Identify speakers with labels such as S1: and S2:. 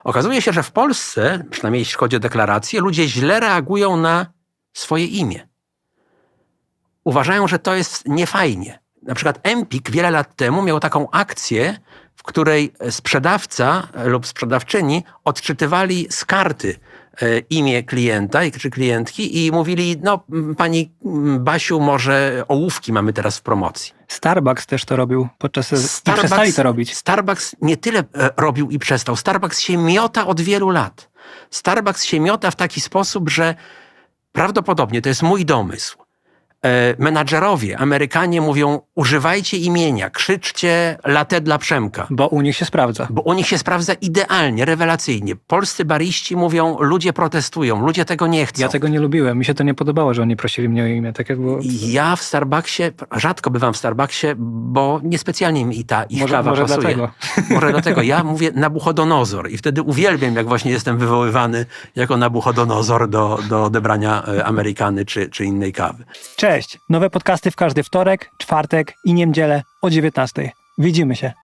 S1: Okazuje się, że w Polsce, przynajmniej jeśli chodzi o deklaracje, ludzie źle reagują na swoje imię. Uważają, że to jest niefajnie. Na przykład Empik wiele lat temu miał taką akcję, w której sprzedawca lub sprzedawczyni odczytywali z karty imię klienta czy klientki i mówili, no pani Basiu, może ołówki mamy teraz w promocji.
S2: Starbucks też to robił i przestali to robić.
S1: Starbucks nie tyle robił i przestał. Starbucks się miota od wielu lat. Starbucks się miota w taki sposób, że prawdopodobnie, to jest mój domysł, menadżerowie, Amerykanie mówią, używajcie imienia, krzyczcie latte dla Przemka.
S2: Bo u nich się sprawdza.
S1: Bo u nich się sprawdza idealnie, rewelacyjnie. Polscy bariści mówią, ludzie protestują, ludzie tego nie chcą.
S2: Ja tego nie lubiłem. Mi się to nie podobało, że oni prosili mnie o imię. Tak jak było...
S1: Ja w Starbucksie, rzadko bywam w Starbucksie, bo niespecjalnie mi ich kawa
S2: może
S1: pasuje.
S2: dlatego.
S1: Może dlatego. Ja mówię Nabuchodonozor i wtedy uwielbiam, jak właśnie jestem wywoływany jako Nabuchodonozor do odebrania Amerykany czy innej kawy.
S2: Cześć! Nowe podcasty w każdy wtorek, czwartek i niedzielę o 19:00. Widzimy się.